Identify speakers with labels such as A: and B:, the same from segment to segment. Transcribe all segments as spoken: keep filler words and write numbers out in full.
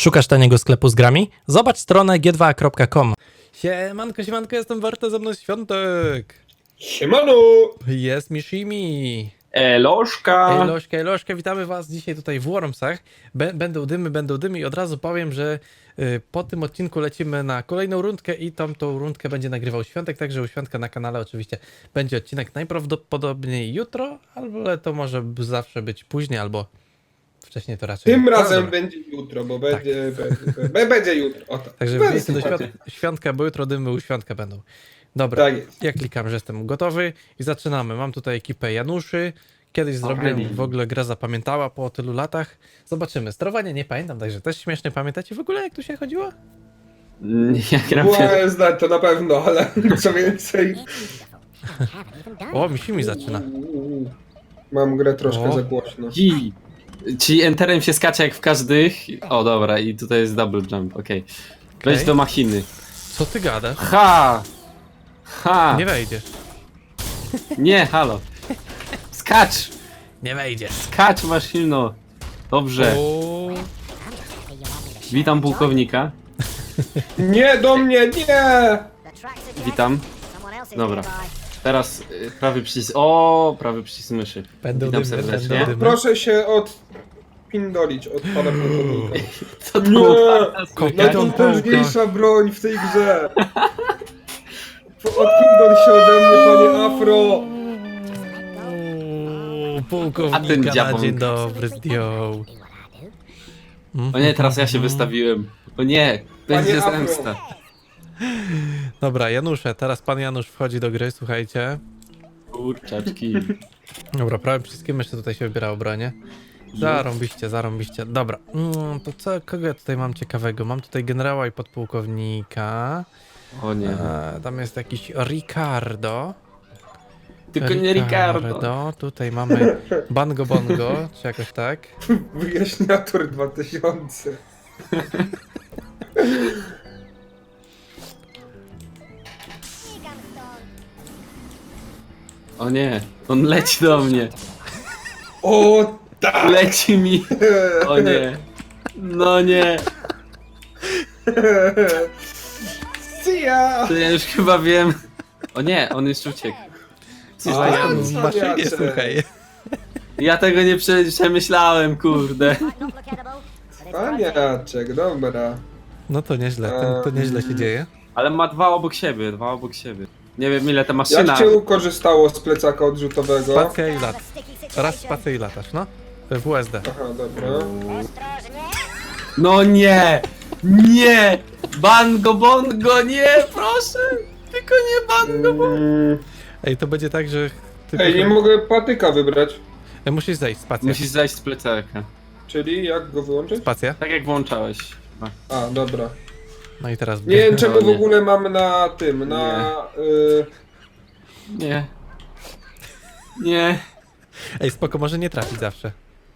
A: Szukasz taniego sklepu z grami? Zobacz stronę g dwa kropka com. Siemanko, siemanko, jestem Warta, ze mną Świątek.
B: Siemano!
A: Jest Mishimi.
B: Eloszka!
A: Elośka, Elośka, witamy was dzisiaj tutaj w Wormsach. Bę- Będą dymy, będą dymy i od razu powiem, że y, po tym odcinku lecimy na kolejną rundkę i tam tą rundkę będzie nagrywał Świątek, także u Świątka na kanale oczywiście będzie odcinek najprawdopodobniej jutro, ale to może b- zawsze być później albo wcześniej to raczej.
B: Tym
A: No,
B: razem
A: dobra.
B: będzie jutro, bo będzie, będzie, będzie, będzie jutro. O tak.
A: Także
B: Będzie
A: wbijcie do
B: słuchajcie.
A: świąt- Świątka, bo jutro dymy u Świątka będą. Dobra,
B: Tak jest.
A: ja klikam, że jestem gotowy i zaczynamy. Mam tutaj ekipę Januszy. Kiedyś zrobiłem,
B: Alrighty.
A: w ogóle gra zapamiętała po tylu latach. Zobaczymy. Sterowanie nie pamiętam, także też śmiesznie pamiętacie w ogóle, jak tu się chodziło?
C: Ja gram
B: Była
C: pier...
B: znać to na pewno, ale co więcej.
A: O, Mishimi zaczyna.
B: Mam grę troszkę
A: O.
B: za głośno.
C: Hi. Czyli enterem się skacze jak w każdych. O dobra, i tutaj jest double jump, okej. Wejdź
A: Okej.
C: do machiny.
A: Co ty gadasz?
C: Ha! Ha!
A: Nie wejdziesz.
C: Nie, halo. Skacz!
A: Nie wejdziesz.
C: Skacz maszyno! Dobrze.
A: O,
C: Witam pułkownika.
B: Nie do mnie, nie!
C: Witam. Dobra. Teraz y, prawy przycisk. O, prawy przycisk myszy.
A: Będą
C: Witam
A: dymy,
C: serdecznie.
A: będą dymy.
B: Proszę się odpindolić od pana pułkownika.
C: Co to
B: Nie!
A: Kopią
B: Najpotężniejsza broń w tej grze! Odpindol się ode mnie, panie Afro!
A: O,
C: A ten
A: pułkownika na
C: dziabąk.
A: dzień dobry zdjął.
C: O nie, teraz ja się wystawiłem. O nie, będzie
B: Panie Afro.
C: zemsta.
A: Dobra, Janusze, teraz pan Janusz wchodzi do gry, słuchajcie.
C: Kurczaczki.
A: Dobra, prawym przyciskiem jeszcze tutaj się wybiera obronie. Zarąbiście, zarąbiście. Dobra, mm, to co, kogo ja tutaj mam ciekawego? Mam tutaj generała i podpułkownika.
C: O nie.
A: E, tam jest jakiś Ricardo.
C: Tylko nie Ricardo.
A: Tutaj mamy Bango Bongo, czy jakoś tak.
B: Wyjaśniator dwa tysiące.
C: O nie, on leci do mnie.
B: O tak!
C: Leci mi. O nie. No nie.
B: See ya!
C: To ja już chyba wiem. O nie, on jeszcze uciekł. Coś
B: A,
C: tam
B: ja-
C: jest.
A: w maszynie,
B: Cwaniacze.
A: słuchaj.
C: Ja tego nie prze- przemyślałem, kurde.
B: Paniaczek, dobra.
A: No to nieźle, to, to nieźle się dzieje.
C: Ale ma dwa obok siebie, dwa obok siebie. Nie wiem ile ta
B: Jak
C: maszyna.
B: cię korzystało z plecaka odrzutowego?
A: Spacja i lat. Raz spację i latasz, no. W U S D.
B: Aha, dobra.
C: No nie! Nie! Bango bongo, nie! Proszę! Tylko nie bango bongo!
B: Mm,
A: Ej, to będzie tak, że... Ty
B: Ej, nie mogę patyka wybrać.
A: Ej, musisz zejść, spacja.
C: Musisz zejść z plecaka.
B: Czyli jak go wyłączyć?
A: Spacja.
C: Tak jak włączałeś. No.
B: A, dobra.
A: No i teraz...
B: Nie wiem czego w
C: nie.
B: ogóle mamy na tym, na... Y,
C: Nie. Nie.
A: Ej, spoko, może nie trafić zawsze.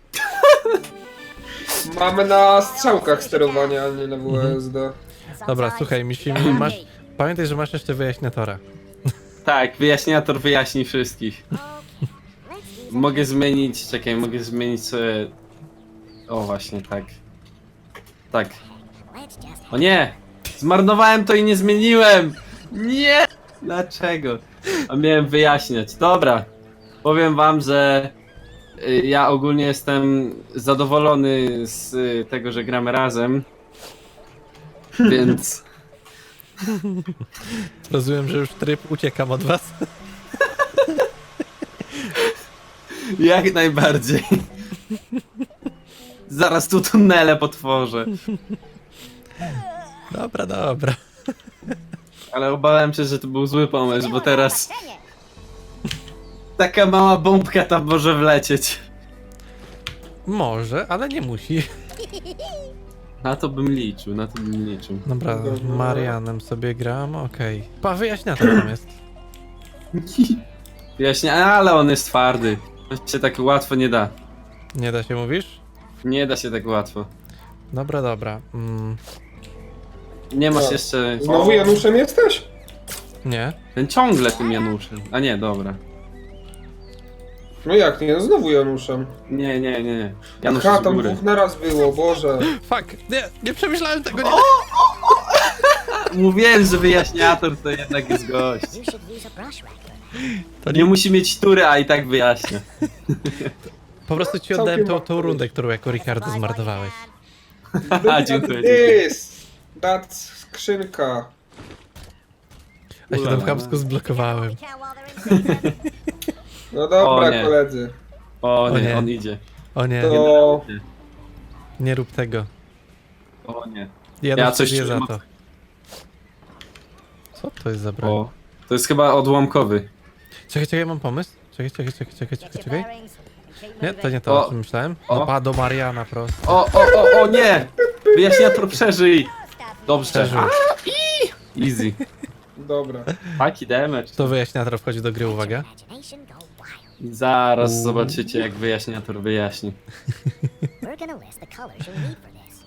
B: mamy na strzałkach sterowania, a nie na W S D.
A: Dobra, słuchaj, Mishimi, masz... Pamiętaj, że masz jeszcze wyjaśniatora.
C: Tak, wyjaśniator wyjaśni wszystkich. Mogę zmienić, czekaj, mogę zmienić sobie... O właśnie, tak. Tak. O nie! Zmarnowałem to i nie zmieniłem! Nie! Dlaczego? A miałem wyjaśniać. Dobra. Powiem wam, że y, ja ogólnie jestem zadowolony z y, tego, że gramy razem. Więc
A: Rozumiem, że już tryb uciekam od was.
C: jak najbardziej. Zaraz tu tunele potworzę.
A: Dobra, dobra.
C: Ale obawiam się, że to był zły pomysł, bo teraz taka mała bombka tam może wlecieć.
A: Może, ale nie musi.
C: Na to bym liczył, na to bym liczył.
A: Dobra,
B: Dobra.
A: Marianem sobie gram, okej. Pa, wyjaśniator tam jest.
C: Wyjaśnię, ale on jest twardy. To się tak łatwo nie da.
A: Nie da się, mówisz?
C: Nie da się tak łatwo.
A: Dobra, dobra. Mm,
C: Nie masz
B: Co?
C: jeszcze...
B: Znowu Januszem jesteś?
A: nie.
C: Ten ciągle tym Januszem. A nie, dobra.
B: No jak nie, no znowu Januszem.
C: Nie, nie, nie. Janusz
B: Ha,
C: z
B: tam
C: góry.
B: dwóch naraz było, Boże.
A: Fuck, nie, nie przemyślałem tego, nie.
C: Mówiłem, że wyjaśniator to jednak jest gość.
D: You should use a brush rack for that.
A: To
C: Nie
A: nie,
C: musi mieć tury, a i tak wyjaśnia.
A: po prostu ci
B: Całkiem
A: oddałem tą, tą
B: odpowiedź.
A: rundę, którą jako Ricardo zmarnowałeś.
C: Haha, dziękuję, dziękuję.
B: This! That skrzynka.
A: A się tam
C: Ulala.
A: chamsko zblokowałem.
D: We can while they're in season.
B: No dobra,
C: O nie.
B: koledzy.
C: O
A: O
C: nie,
A: nie.
C: on idzie.
A: O nie,
B: To...
A: nie rób tego.
C: O nie.
A: Ja,
C: Ja
A: ja
C: coś
A: coś
C: czuję
A: za
C: mo-
A: to. Co to jest za broń?
C: O. To jest chyba odłamkowy.
A: Czekaj, czekaj, mam pomysł. Czekaj, czekaj, czekaj, czekaj, czekaj,
D: Get your
A: czekaj.
D: bearings and keep
A: Nie,
D: moving.
A: to nie to, o
C: O.
A: czym myślałem.
C: O.
A: Opa, do Mariana prosto.
C: O, o, o, o nie! Wyjaśniator przeżyj! Dobrze.
A: Przeżył.
C: Easy.
B: Dobra.
C: Taki damage.
A: To wyjaśniator wchodzi do gry, uwaga.
D: Imagination go wild.
C: Zaraz
A: Uuu.
C: zobaczycie, jak wyjaśniator wyjaśni.
D: We're gonna list the colors you'll need for this.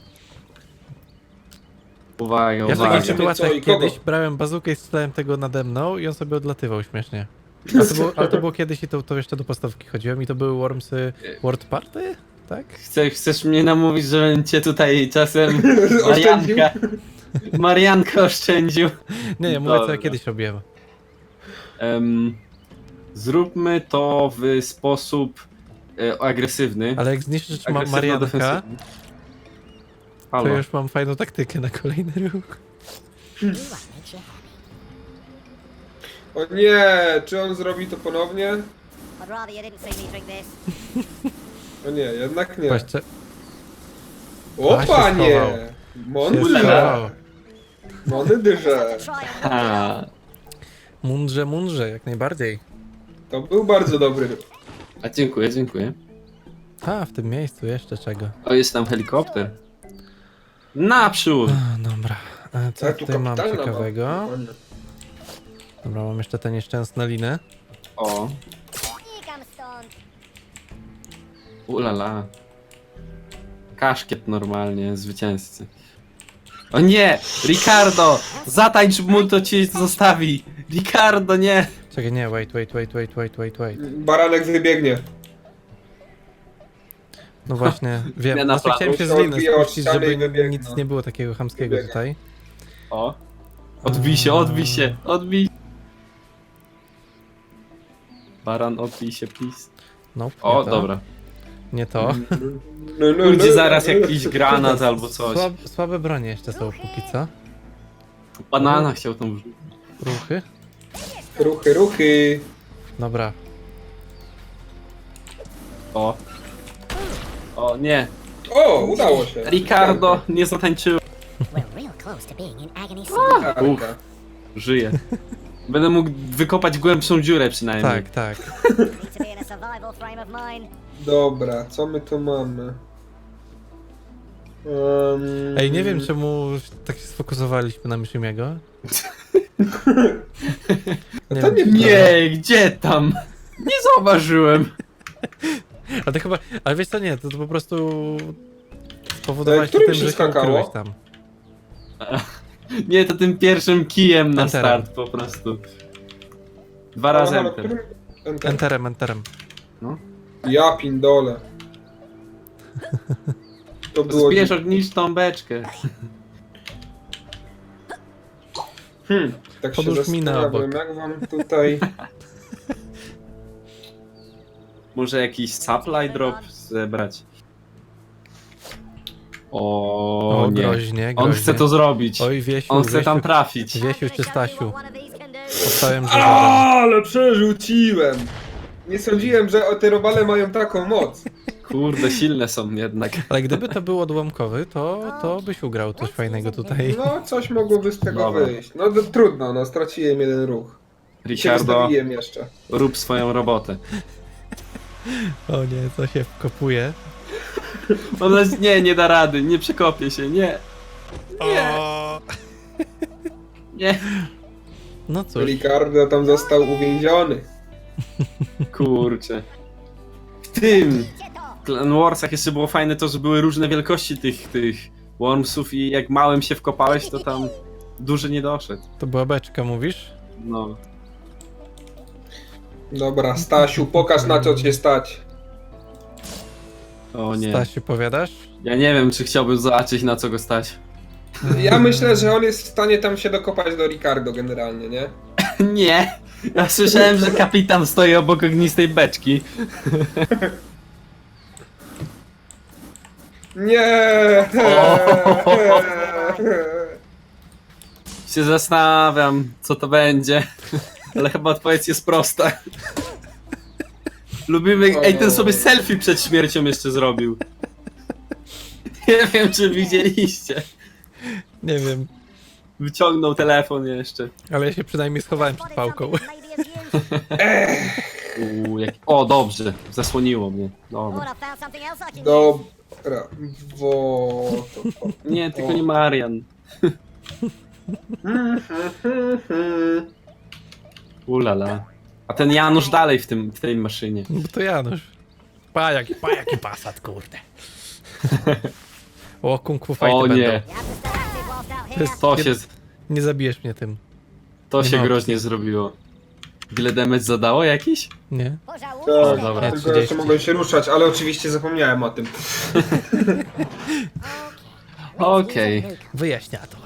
C: Uwaga,
A: Ja w
C: uwaga.
A: takich sytuacjach
B: Co i kogo?
A: kiedyś brałem bazukę i strzelałem tego nade mną i on sobie odlatywał śmiesznie. A to było, ale to było kiedyś i to, to jeszcze do podstawki chodziłem i to były Wormsy World Party? Tak?
C: Chce, chcesz mnie namówić, żebym cię tutaj czasem
B: Oszczędził?
C: Marianka, Marianka oszczędził?
A: Nie, ja mówię co
C: Dobra.
A: ja kiedyś robiłem.
C: Em, zróbmy to w sposób e, agresywny.
A: Ale jak zniszczysz ma Marianka,
C: Agresywno-defensywny.
A: to
C: Halo.
A: już mam fajną taktykę na kolejny ruch.
D: Do what makes you happy.
B: O nie, czy on zrobi to ponownie?
D: I'd rather you didn't see me drink this.
B: O nie, jednak nie.
A: Właśnie.
B: O
A: A, się
B: panie!
A: schował.
B: Mądrze!
A: Się schował.
B: Mądry dyże.
D: Try and
C: Ha.
A: Mundrze, mundrze, jak najbardziej.
B: To był bardzo dobry.
C: A dziękuję, dziękuję.
A: A, w tym miejscu jeszcze czego.
C: O, jest tam helikopter. Naprzód!
A: A, dobra. A co
B: Tak, tu
A: tutaj mam
B: kapitalna
A: ciekawego?
B: mapa.
A: Dobra, mam jeszcze te nieszczęsne liny.
C: O,
D: Here comes Stone.
C: ulala. Kaszkiet normalnie, zwycięzcy. O nie! Ricardo! Zatańcz mu, to cię zostawi! Ricardo, nie!
A: Czekaj, nie, wait, wait, wait, wait, wait, wait, wait.
B: Baranek wybiegnie.
A: No właśnie, wiem.
C: Zmiana
A: Właśnie chciałem się z
B: planu.
A: liny
B: Odbija od
A: spuścić,
B: ściany
A: żeby
B: i wybiegnie.
A: nic nie było takiego chamskiego
B: Wybiega.
A: tutaj.
C: O. Odbij się, odbij się, odbij. Baran, odbij się, please.
A: Nope, nie
C: O,
A: to,
C: dobra.
A: Nie to.
B: No, no,
C: Będzie
B: no,
C: zaraz
B: no.
C: jakiś granat albo coś.
A: Słab, słabe bronie jeszcze są póki co.
C: Banana chciał tą wrzucić.
A: Ruchy.
B: Ruchy, ruchy.
A: Dobra.
C: O. O, nie.
B: O, udało się.
C: Ricardo, nie zatańczyłem.
D: We're real close to being in agony
B: Tarka.
C: Uff. Żyję. Będę mógł wykopać głębszą dziurę przynajmniej.
A: Tak, tak.
D: Need to be in a survival frame of mind.
B: Dobra, co my tu mamy? Um,
A: Ej, nie wiem czemu tak się sfokusowaliśmy na Miszymiego. Nie
B: To
A: wiem,
B: nie-
A: czy
C: Nie, gdzie tam? Nie zauważyłem.
A: A to chyba, ale wiesz co, nie, to, to po prostu spowodowałeś to
B: którym
A: tym,
B: się
A: że się
B: skakało?
A: ukryłeś tam.
C: Nie, to tym pierwszym kijem na
A: Enterem.
C: start po prostu. Dwa razy
B: Halo,
C: enter.
B: którym- Enter.
A: Enterem, enterem.
B: Ja pindole. To było...
C: Zbierz ogniczą beczkę.
B: Hmm, tak się
A: Podłóż minę
B: zastanawiam,
A: obok.
B: jak wam tutaj...
C: Może jakiś supply drop zebrać. O,
A: O,
C: nie.
A: groźnie, groźnie.
C: On chce to zrobić.
A: Oj, Wiesiu,
C: On chce
A: Wiesiu,
C: tam trafić.
A: Wiesiu
D: I'm
A: czy
D: gonna show you
A: Stasiu?
D: what one of these can do.
A: Powstałem, że
B: Ale przerzuciłem! Nie sądziłem, że te robale mają taką moc.
C: Kurde, silne są jednak.
A: Ale gdyby to był odłamkowy, to, to byś ugrał coś fajnego tutaj.
B: No, coś mogłoby z tego
C: Dobra.
B: wyjść. No to trudno, no straciłem jeden ruch. I się
C: Ricardo,
B: wystawiłem jeszcze.
C: rób swoją robotę.
A: O nie, co się wkopuje.
C: Ona nie, nie da rady, nie przekopię się, nie. Nie, nie.
A: No cóż,
B: Ricardo tam został uwięziony.
C: Kurczę. W tym
D: Get off.
C: Clan Warsach jeszcze było fajne to, że były różne wielkości tych, tych wormsów i jak małym się wkopałeś, to tam duży nie doszedł.
A: to była beczka, mówisz?
C: No.
B: Dobra, Stasiu, pokaż na co cię stać.
C: O nie.
A: Stasiu, powiadasz?
C: Ja nie wiem, czy chciałbym zobaczyć, na co go stać.
B: Ja myślę, że on jest w stanie tam się dokopać do Ricardo generalnie, nie?
C: Nie! Ja słyszałem, że kapitan stoi obok ognistej beczki.
B: Nie!
C: Się zastanawiam, co to będzie. Ale chyba odpowiedź jest prosta. Lubimy... Ej, ten sobie selfie przed śmiercią jeszcze zrobił. Nie wiem, czy widzieliście.
A: Nie wiem,
C: Wyciągnął telefon jeszcze.
A: ale ja się przynajmniej schowałem przed
D: Spotted
A: pałką.
D: something that may be of use.
C: Uuu, jak... O, dobrze. Zasłoniło mnie.
D: Oh,
C: Dobra.
D: and I found something else I can use.
B: Dobra, wo... to-
C: Nie, tylko nie Marian. Ulala. A ten Janusz dalej w, tym, w tej maszynie.
A: No bo to Janusz. Pa jaki, pa jaki pasat, kurde. O, kung fu fighty
C: O
A: będą.
C: nie.
D: You have to stay active whilst out
A: To
D: here.
A: jest,
C: To
A: nie,
C: się,
A: nie zabijesz mnie tym.
C: to
A: Nie
C: się
A: ma
C: groźnie zrobiło. Ile damage zadało jakiś?
A: Nie?
D: Push out
B: Tak,
D: wounds.
C: dobra.
A: Nie,
B: tylko
A: trzydzieści.
B: jeszcze mogę się ruszać, ale oczywiście zapomniałem o tym.
C: Okej.
A: Wyjaśniator.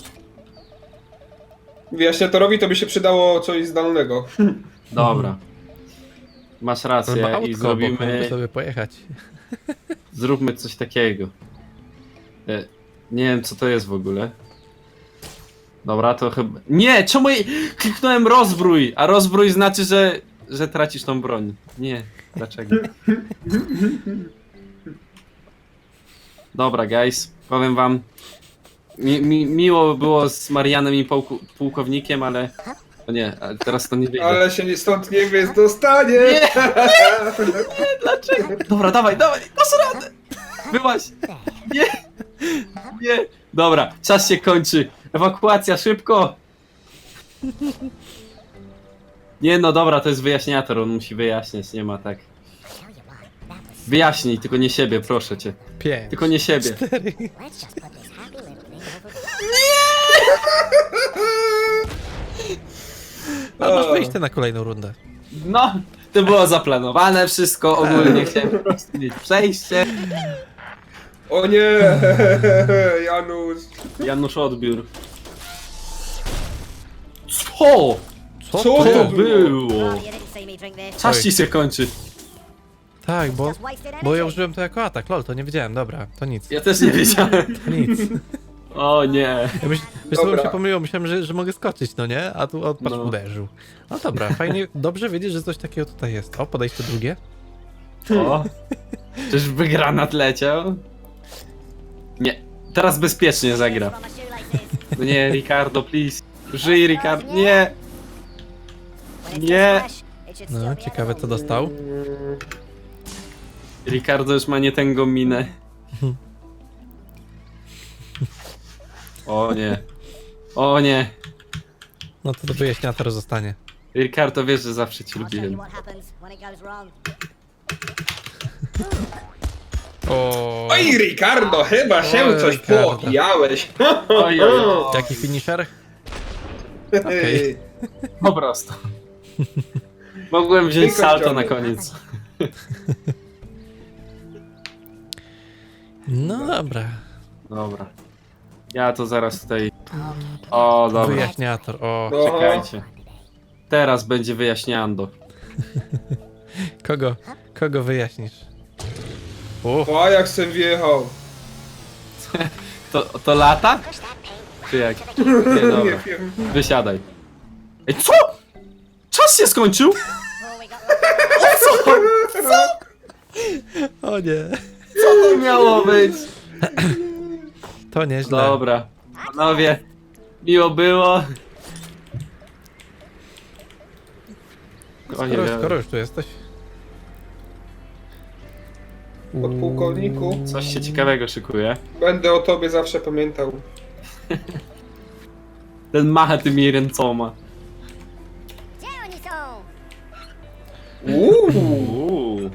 B: Wyjaśniatorowi to by się przydało coś zdalnego.
C: Dobra. Masz
A: On ma
C: rację
A: autko
C: i
A: obok,
C: zrobimy...
A: mógłby sobie pojechać.
C: Zróbmy coś takiego. E, Nie wiem, co to jest w ogóle. Dobra, to chyba... Nie! Czemu jej... Kliknąłem rozbrój! A rozbrój znaczy, że... że tracisz tą broń. Nie. Dlaczego? Dobra, guys. Powiem wam... Mi, mi, miło było z Marianem i pułku, pułkownikiem, ale... O nie, ale teraz to nie wyjdzie.
B: Ale się nie- stąd nie wiesz, dostanie!
C: Dlaczego? Dobra, dawaj, dawaj! Dasz radę! Byłaś! Nie! Nie! Dobra, czas się kończy. Ewakuacja, szybko! Nie no, dobra, to jest wyjaśniator, on musi wyjaśniać, nie ma tak.
D: Tell you what, that was...
C: Wyjaśnij, tylko nie siebie, proszę cię.
A: Pięć.
C: Tylko nie siebie.
A: Cztery.
D: Let's just put this happy little thing over...
A: Ale masz wyjście na kolejną rundę.
C: No, to było zaplanowane wszystko, ogólnie chciałem po prostu mieć przejście.
B: O nie! Janusz!
C: Janusz odbiór. Co?
A: Co,
B: Co
A: to?
B: to
C: To
B: było?
C: było?
D: Rather you didn't see me drink this.
C: Czas ci się kończy.
A: Tak, bo,
D: Just wasted
A: bo ja
D: energy.
A: użyłem to jako atak. Lol, to nie wiedziałem, dobra, to nic.
C: Ja też nie wiedziałem.
A: To nic.
C: O nie.
A: Ja myśl, wiesz, co mi
B: Dobra.
A: się pomyliło, myślałem, że, że mogę skoczyć, no nie? A tu on patrz,
C: No.
A: uderzył. No dobra, fajnie, dobrze wiedzieć, że coś takiego tutaj jest. O, podejście drugie.
C: O. Czyżby granat leciał? Nie. Teraz bezpiecznie zagra.
D: From my shoelaces.
C: No nie, Ricardo, please. Żyj, Ricardo. Nie.
D: When it's
C: Nie.
D: just fresh, it should still
A: No,
D: be
A: ciekawe co
D: edible.
A: dostał.
C: Ricardo już ma nie tęgą minę. O nie. O nie.
A: No to do wyjaśniator zostanie.
C: Ricardo, wiesz, że zawsze cię
D: I'll tell you
C: lubiłem.
D: what happens when it goes wrong.
A: O,
B: Oj, Ricardo, chyba się
A: Oj,
B: coś
A: Ricardo.
B: poobijałeś.
C: Oj, oj, oj.
A: jaki finisher? Okej.
C: Po prostu. Mogłem wziąć
B: Tylko
C: salto na
B: ciągle.
C: koniec.
A: No dobra.
C: Dobra. Ja to zaraz tutaj... O, dobra.
A: Wyjaśniator, o.
B: No.
C: Czekajcie. Teraz będzie wyjaśniando.
A: Kogo, kogo wyjaśnisz? O,
B: O, jak sem wjechał.
C: To, to lata? Czy jak? Nie,
B: Nie
C: dobra.
B: wiem.
C: Wysiadaj. Ej, co? Czas się skończył?
D: Oh, we got
A: o nie.
C: Co to miało być?
A: To nieźle.
C: Dobra. Panowie, miło było. O nie
A: Skoro,
C: wiem.
A: skoro już tu jesteś.
B: Podpułkowniku,
C: Coś się ciekawego szykuje.
B: będę o tobie zawsze pamiętał.
C: Ten macha tymi ręcoma.
D: Gdzie oni są?
B: Uuu,
C: Uuu,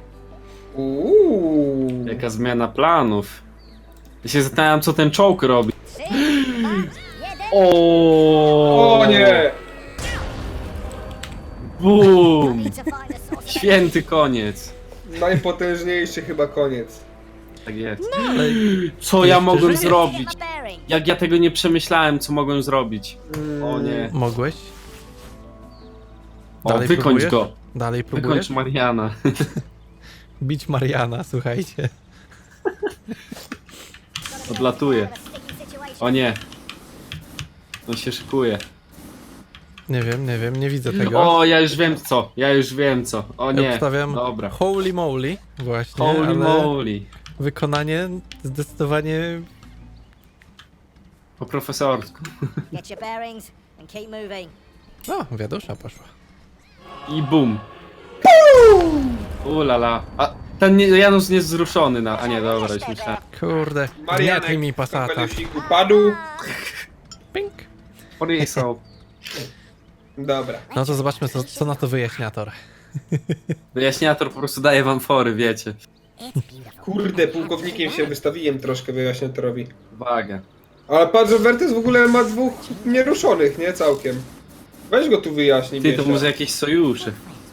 B: uuu.
C: jaka zmiana planów. Ja się zastanawiam, co ten czołg robi.
D: Trzy, dwa, jeden.
C: O,
B: O nie!
C: Bum!
D: need to find a source of
C: Święty koniec.
B: Najpotężniejszy chyba koniec.
C: Tak jest.
A: Ale
C: Co ja
A: jeszcze
C: mogłem
A: żyje.
D: energy.
C: zrobić?
D: Get my bearings.
C: Jak ja tego nie przemyślałem, co mogłem zrobić?
B: Mm,
C: O nie.
A: mogłeś?
C: O,
A: Dalej
C: wykończ
A: próbujesz?
C: go.
A: Dalej
C: Wykończ
A: próbujesz?
C: Mariana.
A: Bić Mariana, słuchajcie.
C: Odlatuje.
D: Sticky situation.
C: O nie. On się szykuje.
A: Nie wiem, nie wiem, nie widzę tego.
C: O, ja już wiem co. Ja już wiem co. O
A: Ja
C: nie.
A: obstawiam
C: Dobra.
A: holy moly, właśnie,
C: Holy
A: ale
C: moly.
A: wykonanie zdecydowanie...
C: Po profesorsku.
D: Get your bearings and keep moving.
A: O, wiadusza poszła.
C: I bum. Ulala. A ten nie, Janusz nie jest wzruszony na... A nie, dobra, już myślałem.
A: Kurde,
B: Marianek
A: gnietli mi
B: w
A: pasata.
B: kapelusiku padł.
A: Pink.
C: Porisał.
B: Dobra.
A: No to zobaczmy, co, co na to wyjaśniator.
C: Wyjaśniator po prostu daje wam fory, wiecie.
D: It's beautiful.
B: Kurde, pułkownikiem się wystawiłem troszkę wyjaśniatorowi.
C: Uwaga.
B: Ale patrz, że Wertes w ogóle ma dwóch nieruszonych, nie? Całkiem. Weź go tu wyjaśnij,
C: Ty, to
B: Biesia.
C: może jakieś sojusze.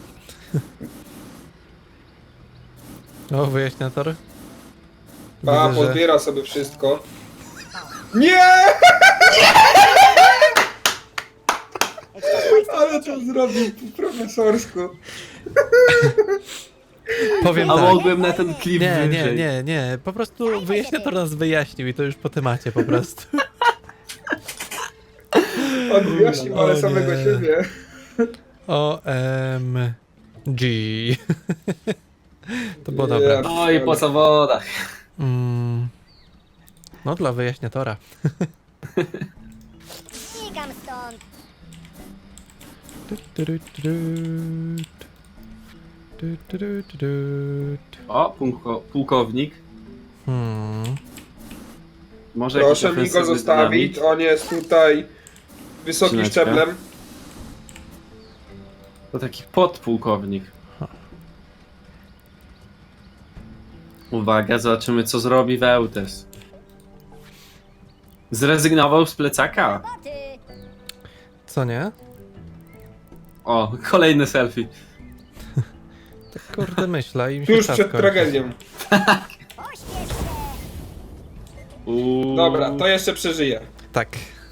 A: O, wyjaśniator.
B: Pa,
A: Widzę, że...
B: pozbiera sobie wszystko. Nie!
D: It's just wasted
B: Ale
D: energy.
B: to zrobił po profesorsku.
A: Powiem
C: A
A: tak.
C: mogłem na ten klip
A: Nie, nie,
C: wyżej.
A: nie, nie. Po prostu wyjaśniator nas wyjaśnił i to już po temacie po prostu.
B: On wyjaśnił, ale
A: O
B: samego
A: nie.
B: siebie.
A: O M G. To było
B: Ja
A: dobre.
C: No i po zawodach.
A: Mm. No dla wyjaśniatora.
D: Znikam stąd.
A: Tu, tu, tu, tu, tu, tu, tu, tu, tu.
C: O, pułko, pułkownik.
A: Hmm.
C: Może
B: Proszę
C: jakiś
B: mi go
C: ofensywny
B: zostawić,
C: dynamit?
B: on jest tutaj wysokim
C: Skrzyneczka.
B: szczeblem.
C: To taki podpułkownik. Uwaga, zobaczymy co zrobi Wełtes. Zrezygnował z plecaka.
D: Boty.
A: Co nie?
C: O, kolejny selfie.
A: Tak kurde myślę i mi się
B: Tuż
A: czas
B: przed
A: kończy.
B: tragedią.
D: Pośpiesz się.
C: Uuu.
B: Dobra, to jeszcze przeżyję.
A: Tak.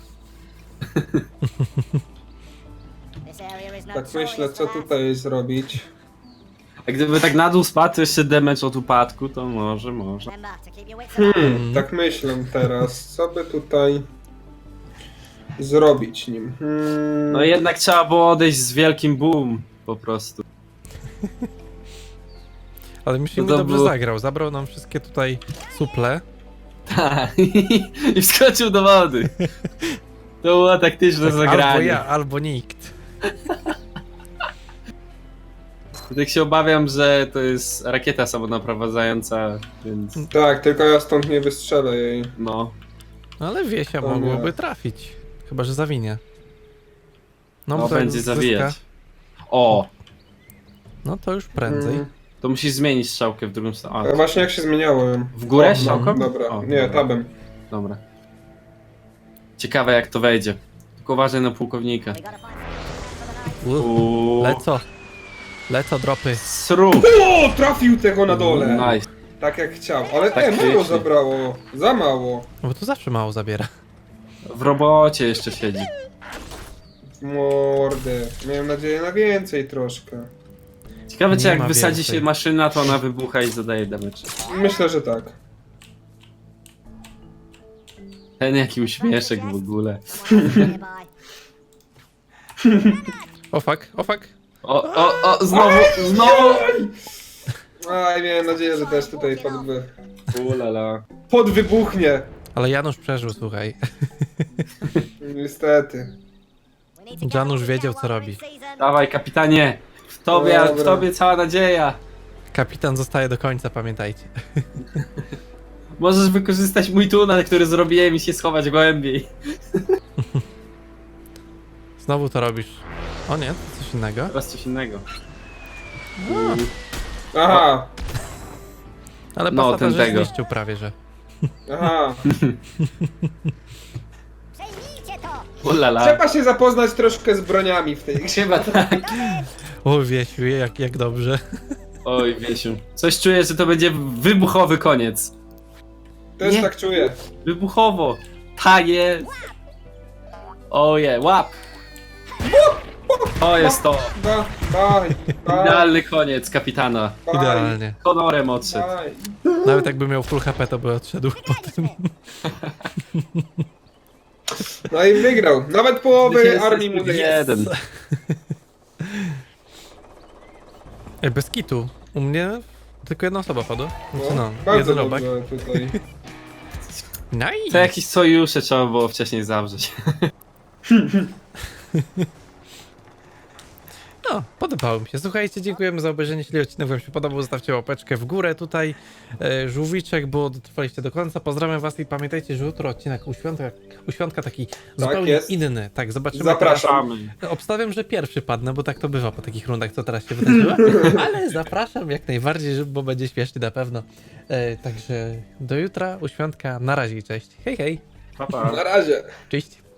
D: This area is
B: Tak
D: notorious
B: myślę, co
D: for that.
B: tutaj zrobić.
C: A gdyby tak na dół spadł, to jeszcze damage od upadku, to może, może.
D: Remember to keep your wits about.
B: Hmm, tak myślę teraz, co by tutaj zrobić nim. Hmm.
C: No jednak trzeba było odejść z wielkim boom, po prostu.
A: Ale myślę,
C: No
A: że
C: to
A: dobrze
C: było-
A: zagrał. Zabrał nam wszystkie tutaj suple.
C: Tak. I wskoczył do wody. To było taktyczne
A: Tak, albo
C: zagranie.
A: ja, albo nikt.
C: Tak się obawiam, że to jest rakieta samonaprowadzająca, więc
B: Tak, tylko ja stąd nie wystrzelę jej.
C: no.
A: No ale Wiesia
B: To
A: mogłoby
B: nie.
A: trafić. Chyba, że zawinie.
C: No,
A: bo to jak
C: będzie
A: zyska,
C: zawijać. O,
A: No to już prędzej.
B: Hmm.
C: to musisz zmienić strzałkę w drugą stronę.
B: A
C: A,
B: właśnie jak się zmieniałem.
C: w górę
B: O,
C: strzałką?
B: Dobra,
C: O,
B: nie,
C: dobra.
B: tabem.
C: Dobra. Ciekawe jak to wejdzie. Tylko uważaj na pułkownika.
D: We gotta find some for the night.
A: U,
C: Uuu.
A: leco. Leco dropy.
C: Sru.
B: O, trafił tego na dole!
C: Nice.
B: Tak jak chciał, ale
C: Tak
B: nie, mało
C: pięknie.
B: zabrało. Za mało.
A: No bo tu zawsze mało zabiera.
C: W robocie jeszcze siedzi.
B: Mordę. Miałem nadzieję na więcej troszkę.
C: Ciekawe czy
A: Nie
C: jak
A: ma
C: wysadzi
A: więcej.
C: się maszyna, to ona wybucha i zadaje damage.
B: Myślę, że tak.
C: Ten jaki uśmieszek w ogóle.
D: Someone else nearby.
A: O fuck, o fuck.
C: O, o, o, znowu, znowu!
B: Aj, miałem nadzieję, że też tutaj podwy...
C: Ulala.
B: podwybuchnie.
A: Ale Janusz przeżył, słuchaj.
B: Niestety.
D: We need to get
A: Janusz
D: on
A: wiedział,
D: with
A: co
D: that while
A: robi.
D: we're in season.
C: Dawaj kapitanie! W tobie, w
B: Dobra.
C: tobie cała nadzieja!
A: Kapitan zostaje do końca, pamiętajcie.
C: Możesz wykorzystać mój tunel, który zrobiłem i się schować głębiej.
A: Znowu to robisz. O nie, to coś innego.
C: Teraz coś innego.
B: Aha,
A: Ale
C: No,
A: pasata,
C: ten
A: że
C: tego.
A: zniszczył prawie, że.
B: aha.
D: Przejmijcie to.
C: Ulala.
B: Trzeba się zapoznać troszkę z broniami w tej grze.
C: Chyba tak.
A: O, Wiesiu, jak, jak dobrze.
C: Oj, Wiesiu. Coś czuję, że to będzie wybuchowy koniec.
B: Też
A: Nie.
B: tak czuję.
C: Wybuchowo. Ta jest. Oje, łap. To jest to.
B: Da, daj, daj,
C: Idealny koniec kapitana.
B: daj,
A: Idealnie.
C: Honorem odszedł.
B: daj.
A: Nawet jakby miał full H P, to by odszedł po tym.
B: No i wygrał. Nawet połowy
C: Jest
B: armii mu nie jest.
C: jeden.
A: Ej, bez kitu. U mnie tylko jedna osoba padła. Znaczy no,
B: bardzo
A: jeden robak.
B: dobrze tutaj.
A: Nice.
C: To jakieś sojusze trzeba było wcześniej zawrzeć.
A: No, podobało mi się. Słuchajcie, dziękujemy za obejrzenie. Jeśli odcinek wam się podobał, zostawcie łapeczkę w górę tutaj. E, żółwiczek, bo dotrwaliście do końca. Pozdrawiam was i pamiętajcie, że jutro odcinek u świątka, u świątka taki zupełnie
B: jest.
A: inny. Tak, zobaczymy.
B: Zapraszam.
A: Teraz, obstawiam, że pierwszy padnę, bo tak to bywa po takich rundach, co teraz się wydarzyło. Ale zapraszam jak najbardziej, żeby- bo będzie śmiesznie na pewno. E, także do jutra, u świątka. Na razie i cześć. Hej, hej.
C: Pa, pa.
B: Na razie.
A: Cześć.